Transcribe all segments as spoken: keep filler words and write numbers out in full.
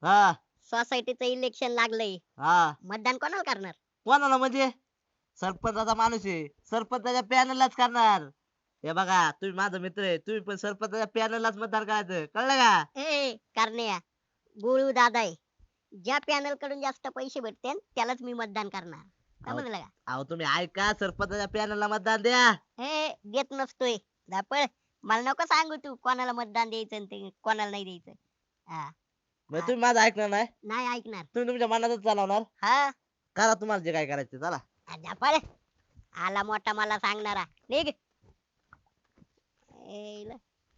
हा सोसायटीचं इलेक्शन लागलंय, हा मतदान कोणाला करणार? कोणाला म्हणजे सरपंचाचा माणूस आहे, सरपंचाच्या पॅनललाच करणार. हे बघा तुम्ही माझा मित्र आहे, तुम्ही पण सरपंचाच्या पॅनललाच मतदान करायचं, कळलं का? ए करण्या, गोळू दादा आहे, ज्या पॅनल कडून जास्त पैसे भेटतील त्यालाच मी मतदान करणार, अहो समजलं का? अहो, तुम्ही ऐका, सरपंचाच्या पॅनलला मतदान द्या. हे देत नसतोय धापळ, मला नको सांगू तू कोणाला मतदान द्यायचं आणि ते कोणाला नाही द्यायचं. हा म्हणजे हा, तुम्ही माझं ऐकणार नाही, नाही ऐकणार. तुम्ही तुमच्या मनातच चालवणार. हा करा तुम्हाला जे काय करायचं चला. धापळ, आला मोठा मला सांगणारा, निघ. एला.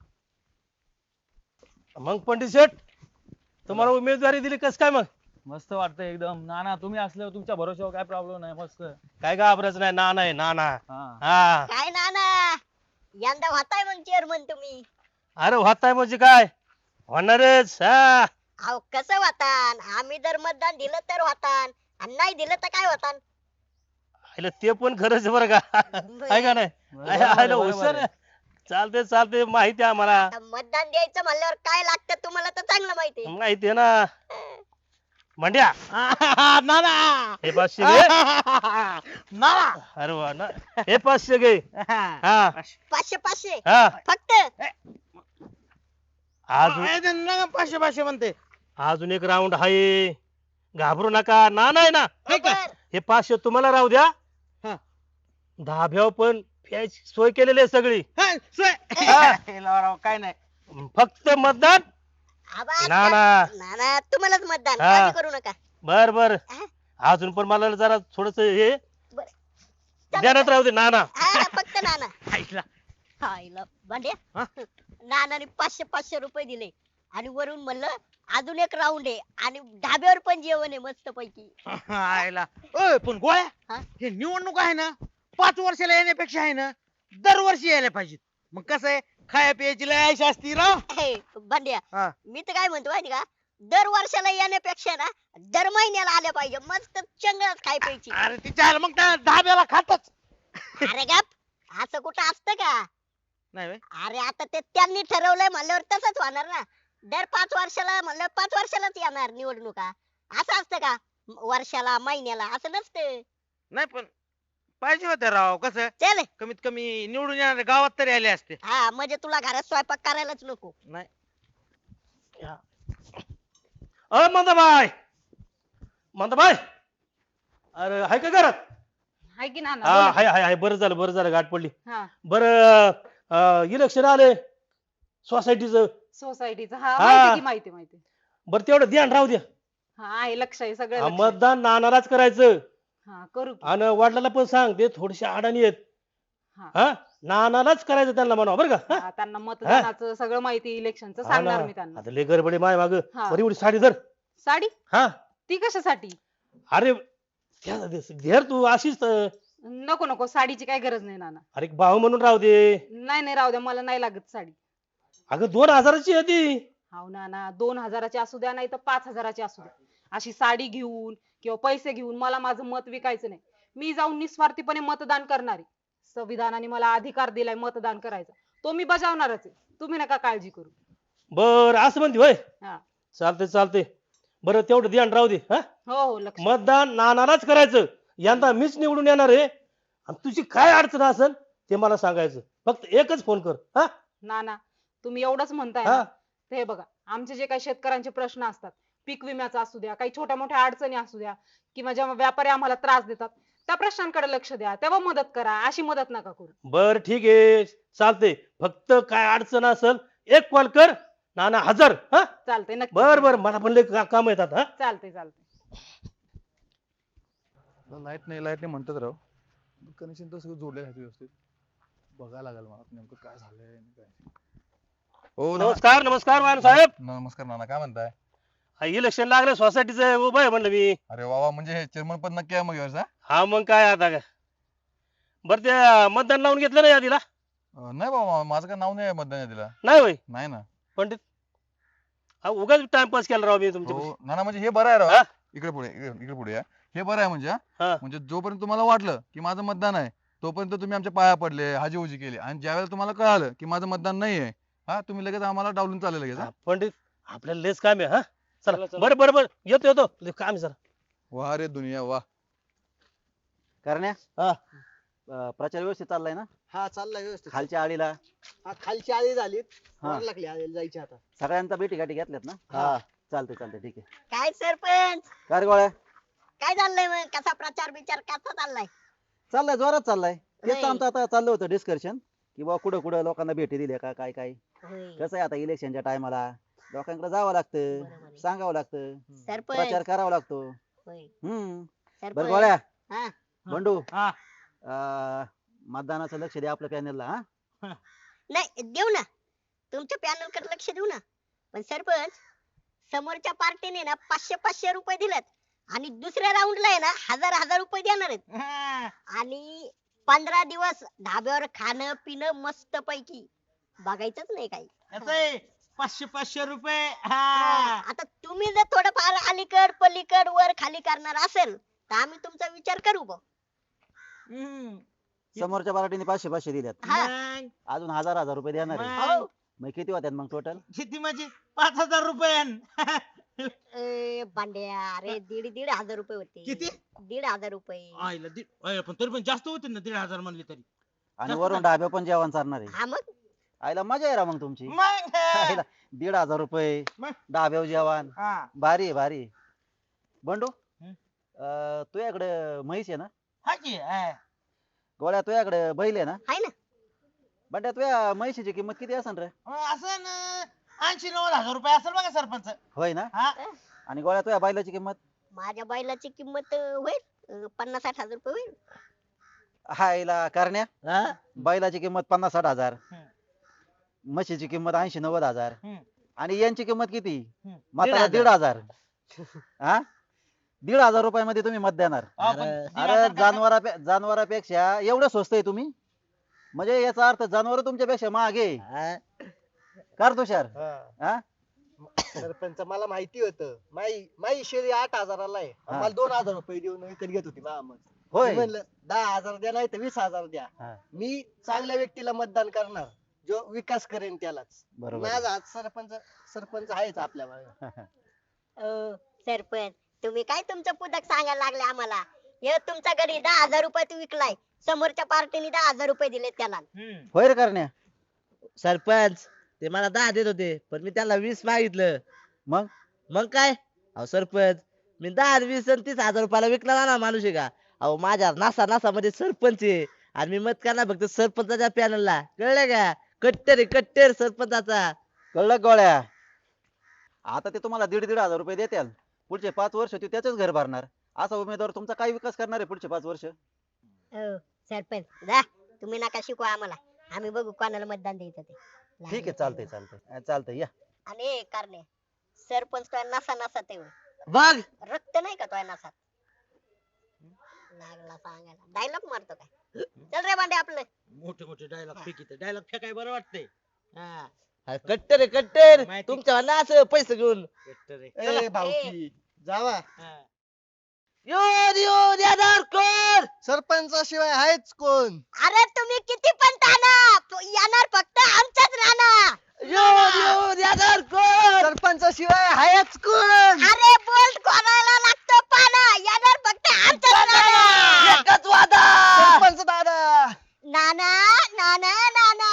मग पंडित शेठ तुम्हाला उमेदवारी दिली कस काय? मग मस्त वाटतंय एकदम. नाना तुम्ही असल्यावर तुमच्या भरोश्यावर काय प्रॉब्लेम नाही. मस्त. काय घाबरायचं नाही, ना नाही ना ना. हा हा काय नाना, यंदा होताय मग चेअरमन तुम्ही? अरे होताय म्हणजे काय होणारच. हा अहो कसं होतान, आम्ही जर मतदान दिलं तर होतान आणि नाही दिलं तर काय होतान? आयलं ते पण खरंच बरं का. आहे का नाही? बरोबर आहे, आयलं बरोबर हुशार आहे. चालते चालते, माहिती आहे आम्हाला. आता मतदान द्यायचं म्हणल्यावर काय लागतं तुम्हाला तर चांगलं माहिती आहे. माहिती आहे ना. मंड्या नाना हे पाचशे घे. नाना अरे वा ना, हे पाचशे घे. हा पाचशे पाचशे हा फक्त. अजून नका पाचशे पाचशे म्हणते. अजून एक राऊंड आहे, घाबरू नका. ना नाही ना, बरोबर. हे पाचशे तुम्हाला राहू द्या. हा. धाब्यावर पण प्यायची सोय केलेली आहे सगळी. हा, सोय. हा. हे लावा, काय नाही. फक्त मतदान. आबा, ना ना नाना तुम्हालाच मतदान, हा. काळजी करू नका. बर बर, हा. अजून पण मला जरा थोडस हे बरं. चला. ध्यानात राहू दे. ना ना हा, फक्त नाना. ऐकला. हायला भांड्या, हा? नानाने पाचशे पाचशे रुपये दिले आणि वरून म्हणलं अजून एक राऊंड आहे आणि ढाब्यावर पण जेवण आहे मस्त पैकी. आयला ओय पण गोळ्या, हा? हे निवडणूक आहे ना, पाच वर्षाला येण्यापेक्षा आहे ना दरवर्षी यायला पाहिजेत. मग कसं आहे, खाया पियाची लय आयश असती राव. हे, भांड्या, हा. मी तर काय म्हणतो माहिती का, दर वर्षाला येण्यापेक्षा ना दर महिन्याला आल्या पाहिजे, मस्त चंगळच खाय प्यायची. अरे तिच्या मग त्या धाब्याला खातच अरे गप, असं कुठं असतं का? नाही व्हय? अरे आता ते त्यांनी ठरवलंय म्हणल्यावर तसंच होणार ना. दर पाच वर्षाला म्हणलं पाच वर्षालाच येणार निवडणुका, असं असतं का? वर्षाला महिन्याला असं नसतं. नाही पण पाहिजे होत्या राव. कसं चल. कमीत कमी निवडून येणारे गावात तरी आले असते. हा म्हणजे तुला घरात स्वयंपाक करायलाच नको. नाही अ मंदाबाई, मंदाबाई, अरे हाय का घरात? हाय की नाना हा बोला. हाय हाय हाय, बरं झालं बरं झालं, गाठ पडली. हा बरं इलेक्शन आले सोसायटीचं. सोसायटीचं हा हा. माहिती की माहिती माहिती. बरं तेवढं ध्यान राहू द्या. हा आहे, लक्ष आहे सगळं हा, लक्ष आहे. मतदान नानालाच करायचं. हा करू की. आणि वडिलाला पण सांग, ते थोडेसे अडाणी आहेत. हा. हा, नानालाच करायचं त्यांना म्हणा बरं का. हा, त्यांना मतदानाचं सगळं माहिती, इलेक्शनचं हा सांगणार ना. मी त्यांना. आता लय गडबडी माय माग. हा. बरी एवढी साडी धर. साडी हा ती कशासाठी? अरे त्या- धर तू अशीच तर. नको नको, साडीची काय गरज नाही नाना. अरे भाऊ म्हणून राहू दे. नाही नाही राहू द्या, मला नाही लागत साडी. अगं दोन हजाराची आहे ती. हाव नाना, दोन हजाराची असू द्या नाही तर पाच हजाराची असू द्या, अशी साडी घेऊन किंवा पैसे घेऊन मला माझं मत विकायचं नाही. मी जाऊन निस्वार्थीपणे मतदान करणार आहे. संविधानाने मला अधिकार दिलाय मतदान करायचा, तो मी बजावणारच आहे. तुम्ही नका काळजी करू. बर असं म्हणते होय. हा चालते चालते. बरं तेवढं ध्यान राहू दे. हा, हो हो लक्ष. मतदान नानालाच करायचं. यंदा मीच निवडून येणार आहे. आणि तुझी काय अडचण असेल ते मला सांगायचं. फक्त एकच फोन कर. हा नाना तुम्ही एवढंच म्हणताय हा. ना, तर हे बघा, आमचे जे काही शेतकऱ्यांचे प्रश्न असतात, पीक विम्याचा असू द्या, काही छोट्या मोठ्या अडचणी असू द्या, किंवा जेव्हा व्यापारी आम्हाला त्रास देतात, त्या प्रश्नांकडे लक्ष द्या, तेव्हा मदत करा. अशी मदत नका करू. बर ठीक आहे, चालते. फक्त काय अडचण असेल एक कॉल कर, नाना हजर. हा चालतंय नक्की. बर बर, मला पण लय का- काम येतात. हा चालतंय चालतंय. लाईट नाही लाईट नाही म्हणतात राव. कनेक्शन तर सगळं जोडलेलं आहे व्यवस्थित. बघायला लागेल मला नेमकं काय झालंय आणि काय. हो नमस्कार नमस्कार वाहन साहेब. नमस्कार नाना, काय म्हणताय? इलेक्शन लागलं सोसायटीचं उभं आहे म्हणलं मी. अरे वा वा, म्हणजे हे चेअरमन पण नक्की आहे मग यावर्षी, हा? हा मग काय आता काय. बरं ते मतदान लावून घेतलं ना यादीला? अं, नाही बाबा, माझं काय नाव नाही आहे मतदान यादीला. नाही होय नाही ना. पंडित, हा उगाच टाइमपास केला राव मी तुमच्या. हो नाना, म्हणजे हे बरं आहे राव. हा? इकडे पुढे इकडे इकडे पुढे या. हे बरं आहे म्हणजे, हा? हा. म्हणजे जोपर्यंत तुम्हाला वाटलं की माझं मतदान आहे, तोपर्यंत तुम्ही आमच्या पाया पडले, हाजीहुजी केली, आणि ज्यावेळेला तुम्हाला कळालं की माझं मतदान नाही आहे, हा, तुम्ही लगेच आम्हाला डावलून चालले लगेच, हा? हा, पंडित आपल्याला लेच काम आहे. हा चला बरं बरं बरं येतो येतो लय काम आहे जरा. वा रे दुनिया वा. करण्या हा. अं, प्रचार व्यवस्थित चाललाय ना हा चाललाय व्यवस्थित. खालच्या आळीला हा, खालची आळी झालीत हा. वर लागली आळीला जायची आता. सगळ्यांचा भेटी गाठी घेतल्यात ना हा. चालतंय चालतंय ठीक आहे. काय सरपंच काय रे गोळ्या काय चाललंय मग कसा प्रचार बिचार कसा चाललाय चाललाय जोरात चाललाय तेच तर होय. आमचं आता चाललं होतं डिस्कशन की बा कुठं कुठं लोकांना भेटी दिल्या का काय काय होय. कसं आहे आता इलेक्शनच्या टायमाला लोकांकडे जावं लागतं बरोबर आहे. सांगावं लागतं सरपंच प्रचार करावा लागतो होय. हम्म बरं सरपंच गोळ्या हा बंडू हा. अं, मतदानाचं लक्ष द्या आपल्या पॅनलला हा नाही देऊ ना तुमच्या पॅनल कडे लक्ष देऊ ना पण सरपंच समोरच्या पार्टीने ना पाचशे पाचशे रुपये दिलेत आणि दुसऱ्या राऊंडला आहे ना हजार हजार रुपये देणार आहेत हा. आणि पंधरा दिवस धाब्यावर खाणं पिणं मस्त पैकी बघायचंच नाही काही असं आहे, पाचशे पाचशे रुपये. हा, हा. आता तुम्ही जर थोडंफार अलीकड पलीकड वर खाली करणार असेल तर आम्ही तुमचा विचार करू बुवा. हम्म. समोरच्या पार्टीने पाचशे पाचशे दिल्यात हा. मग अजून हजार हजार रुपये देणार आहे मग हो. मग किती होत्यात मग टोटल किती म्हणजे पाच हजार रुपये. ए, बांड्या अरे दीड दीड हजार रुपये होते किती? दीड हजार रुपये आईला दीड आईला पण तरी पण जास्त होते ना दीड हजार म्हणले तरी. आणि वरून डाब्या पण जेवण चालणार आहे हा मग आईला मजा आहे रा मग तुमची मग आईला दीड हजार रुपये मग? डाब्यावर जेवण हा. भारी आहे भारी आहे. बंडू हं? अं, तुझ्याकडे म्हैस आहे ना हा की हा. गोळ्या तुझ्याकडे बैल आहे ना आहे ना बंड्या तुझ्या म्हैशीची किंमत किती असेल रे असं ना ऐंशी नव्वद हजार रुपये असेल बघा सरपंच. होय ना हा. आणि गोळ्या तुझ्या बैलाची किंमत माझ्या बैलाची किंमत अं, होईल अं, पन्नास साठ हजार रुपये होईल हायला करण्या हा? बैलाची किंमत पन्नास साठ हजार हं. म्हशीची किंमत ऐंशी नव्वद हजार हं. आणि यांची किंमत किती हं. म्हातारा दीड दीड हजार हा दीड हजार रुपयामध्ये तुम्ही मत देणार हा, पण अरे, दीड अरे हजार का- जनावरा जनावरापेक्षा एवढं स्वस्त आहे तुम्ही म्हणजे याचा अर्थ जनावर तुमच्यापेक्षा मागे हा? कर तुषार हा सरपंच मला माहिती होतं माई माई शेळी आठ हजाराला आहे हा. मला दोन हजार रुपये देऊन विकत घेत होती मामा मी होय म्हणलं दहा हजार द्या नाही तर वीस हजार द्या हा. मी चांगल्या व्यक्तीला मतदान करणार जो विकास करेन त्यालाच बरोबर माझा हात सरपंच सरपंच आहेच आपल्या मागे. अं, सरपंच तुम्ही काय तुमचं पुस्तक सांगायला लागले आम्हाला हे तुमच्या घरी दहा हजार रुपये तू विकलाय समोरच्या पार्टीने दहा हजार रुपये दिले त्याला हम्म. होय रे करण्या सरपंच ते मला दहा देत होते पण मी त्यांना वीस मागितलं मग मग काय अहो सरपंच मी दहा आणि वीस आणि तीस हजार रुपयाला विकला ना माणूस आहे का अहो माझ्या नासा नासा मध्ये सरपंच आहे आणि मी मत करणार फक्त सरपंचाच्या पॅनलला कळलं का कट्टर आहे कट्टर सरपंचाचा कळलं का गोळ्या आता ते तुम्हाला दीड दीड हजार रुपये देतील पुढचे पाच वर्ष ते त्याच घर भरणार असा उमेदवार तुमचा काय विकास करणार आहे पुढचे पाच वर्ष हो, सरपंच जा तुम्ही नका शिकवा आम्हाला आम्ही बघू कोणाला मतदान द्यायचं ते ठीक आहे चालतंय चालतंय चालतंय या आणि हे कारणे सरपंच तो नसा नसा ते बघ रक्त नाही का तो नसात लागला सांगायला डायलॉग मारतो काय चल रे बांडे आपलं मोठे मोठे डायलॉग फेकित डायलॉग फेकाय बरं वाटतंय. हा. हा, कट्टर आहे कट्टर माहिती. तुमच्या ना असं पैसे घेऊन बेटर आहे. ए चला. भाऊकी जावा हा. योर योर यादर कोण सरपंचाशिवाय आहेच कोण अरे तुम्ही किती पण ताना प- येणार फक्त आमच्याच राहणार योर योर यादर कोण सरपंचाशिवाय आहेच कोण अरे बोल कोणाला लागतो पाना येणार फक्त आमच्याच राहणार एकच वादा सरपंच दादा नाना नाना नाना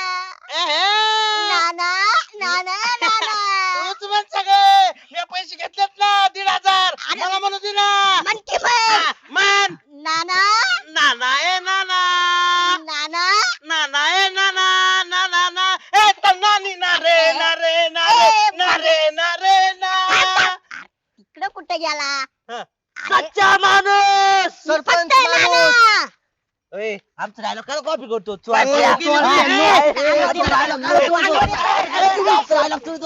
नाना नाना नाना तूच म्हण सगळे मी पैसे घेतलेत ना दीड हजार अरे. मला म्हणू दे ना. मन की मन हा, मन नाना नाना ए नाना नाना नाना ए नाना ना ना ना ए तर नानी ना रे ना रे ना रे ना रे ना रे ना. इकडं कुठे गेला हा. अरे, सच्चा माणूस सरपंच फक्त माणूस नाना. ए, आमचा डायलॉग काय कॉपी करतो तू ए, ऐकूया. तू हा, ऐकूया. हा, ए, हा, आमचा dialogue काय तू ऐकूया. आमचा dialogue तू-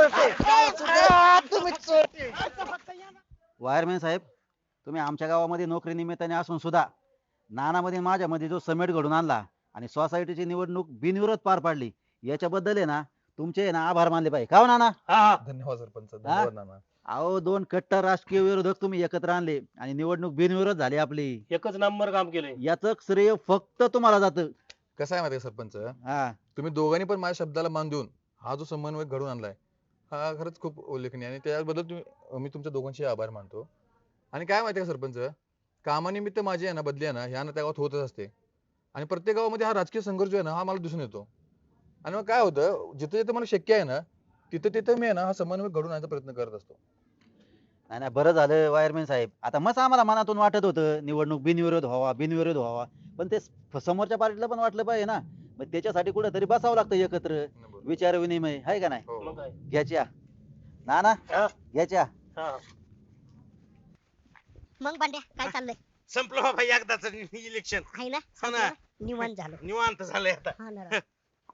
तू- वायरमॅन साहेब तुम्ही आमच्या गावामध्ये नोकरी निमित्ताने असून सुद्धा नानामध्ये माझ्यामध्ये जो समेट घडून आणला आणि सोसायटीची निवडणूक बिनविरोध पार पाडली याच्याबद्दल आहे ना तुमचे आहे ना आभार मानले पाहिजे का हो नाना हा हा धन्यवाद सरपंच धन्यवाद नाना. अहो दोन कट्टर राजकीय विरोधक तुम्ही एकत्र आणले आणि निवडणूक बिनविरोध झाली आपली एकच नंबर काम केलंय याच श्रेय फक्त तुम्हाला जातं कसं आहे माहिती आहे सरपंच हा तुम्ही दोघांनी पण माझ्या शब्दाला मान देऊन हा जो समन्वय घडून आणलाय हा खरंच खूप उल्लेखनीय आणि त्याबद्दल तुम्ही मी तुमच्या दोघांचे आभार मानतो. आणि काय माहिती का सरपंच, कामानिमित्त माझी आहे ना बदली आहे ना ह्या ना त्या गावात होतच असते. आणि प्रत्येक गावामध्ये हा राजकीय संघर्ष जो आहे ना हा मला दिसून येतो. आणि मग काय होतं, जिथे जिथे मला शक्य आहे ना तिथे तिथे मी आहे ना हा समन्वय घडून आणण्याचा प्रयत्न करत असतो. नाही नाही, बरं झालं वायरमॅन साहेब. आता मस्त आम्हाला मनातून वाटत होतं निवडणूक बिनविरोध व्हावा बिनविरोध व्हावा, पण ते स- समोरच्या पार्टीला पण वाटलं पाहिजे ना. मग त्याच्यासाठी कुठेतरी बसावं लागतं एकत्र, बरोबर. विचार विनिमय आहे का नाही. हो, मग काय घ्याच्या ना ना हा, घ्याच्या. हा. मग भांड्या काय चाललंय? संपलं बाबा एकदाच इलेक्शन. आहे ना हो ना. संपलं? निवांत झालं. निवांत झालंय आता. हा ना राव.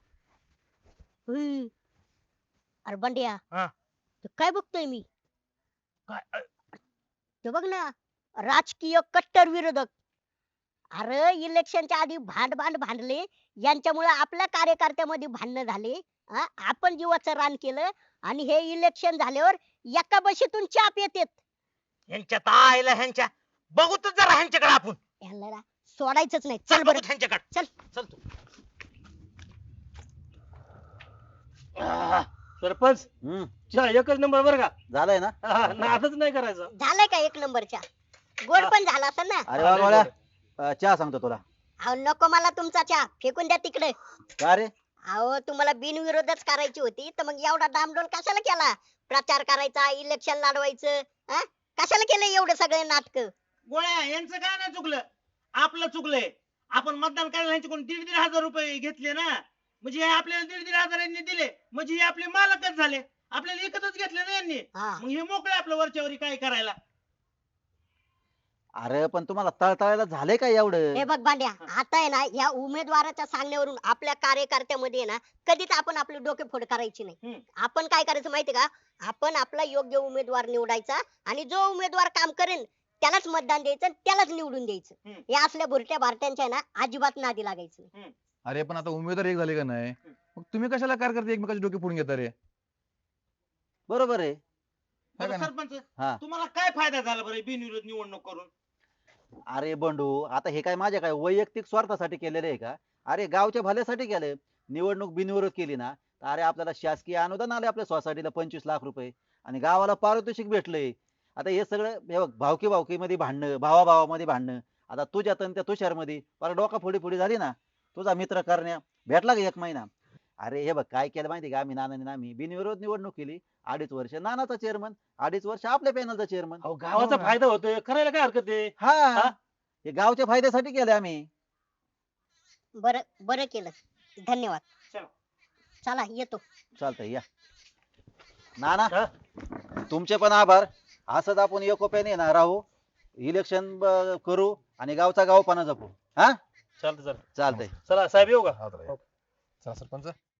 हुई. अरे बंड्या हा. ते काय बघतोय मी? काय अ, ते बघ ना, राजकीय कट्टर विरोधक. अरे इलेक्शनच्या आधी भांड भांड भांडले, यांच्यामुळे आपल्या कार्यकर्त्यामध्ये भांडणं झाले. हा? आपण जीवाचं रान केलं आणि हे इलेक्शन झाल्यावर एका बशीतून चाप येतेत. ह्यांच्या आईला ह्यांच्या बघू तर जरा ह्यांच्याकडे आपण. यांना ना सोडायचंच नाही. चल चल बघू बरं ह्यांच्याकडे. चल. चल तू. आह, सरपंच हम्म चहा एकच नंबर बरं का. झालंय ना. हा, नादच नाही करायचा. झालंय का एक नंबरच्या? गोड पण झाला असेल ना? अरे वा गोळ्या, अं, चहा सांगतो तुला. अहो नको मला तुमचा चहा, फेकून द्या तिकडे. का रे? अहो तुम्हाला बिनविरोधच करायची होती तर मग एवढा डामडोल कशाला केला? प्रचार करायचा, इलेक्शन लढवायचं, हा? कशाला केलं एवढं सगळे नाटक? गोळ्या यांचं काय नाही चुकलं, आपलं चुकलंय. आपण मतदान करायला ह्यांच्याकडून दीड दीड हजार रुपये घेतले ना, म्हणजे हे आपल्याला दीड दीड हजार यांनी दिले, म्हणजे हे आपले मालकच झाले. आपल्याला एकच घेतले ना यांनी, हा. मग हे मोकळे आपलं वरच्यावरी काय करायला. अरे पण तुम्हाला तळतळायला झालंय का एवढं? हे बघ भांड्या, आता आहे ना या उमेदवाराच्या सांगण्यावरून आपल्या कार्यकर्त्यामध्ये ना कधीच आपण आपली डोकेफोड करायची नाही. हम्म. आपण काय करायचं माहिती का? आपण आपला योग्य उमेदवार निवडायचा आणि जो उमेदवार काम करेल त्यालाच मतदान द्यायचं आणि त्यालाच निवडून द्यायचं. हम्म. या असल्या भुरट्या भारत्यांच्या आहे ना अजिबात नादी लागायचं नाही. अरे पण आता उमेदवार एक झाले का नाही, मग तुम्ही कशाला कार्यकर्ते एकमेकाचे डोके फोडून घेता रे? बरोबर आहे. है का बरं नाही? सरपंच, हा. तुम्हाला काय फायदा झाला बरं बिनविरोध निवडणूक करून? अरे बंडू, आता हे काय माझ्या काय वैयक्तिक स्वार्थासाठी केलेलं आहे का? अरे गावच्या भल्यासाठी केलंय. निवडणूक बिनविरोध केली ना तर अरे आपल्याला शासकीय अनुदान आले आपल्या सोसायटीला पंचवीस लाख रुपये आणि गावाला पारितोषिक भेटलंय. आता हे सगळं हे बघ, भावकी भावकी मध्ये भांडणं, भावा भावामध्ये भांडणं, आता तुझ्यात आणि त्या तुषार मध्ये फार डोका फोडी फोडी झाली ना. तुझा मित्र करण्या भेटला का एक महिना? अरे हे बघ काय केलं माहिती का, आम्ही नानाने आम्ही बिनविरोध निवडणूक केली. अडीच वर्ष नानाचा चेअरमन, अडीच वर्ष आपल्या पॅनलचा चेअरमन. अहो गावाचा फायदा होतोय, करायला काय हरकत आहे. हा, हे गावच्या फायद्यासाठी केलं आम्ही. बरं बरं केलं, धन्यवाद. चला. चला येतो. चालतंय या. नाना हा? तुमचे पण आभार. असंच आपण एकोप्याने ना राहू, इलेक्शन करू आणि गावचा गावपणा जपू. हा चालतं चालतं. चालतंय. चला साहेब येऊ का. हा तर आहे. चला सरपंच.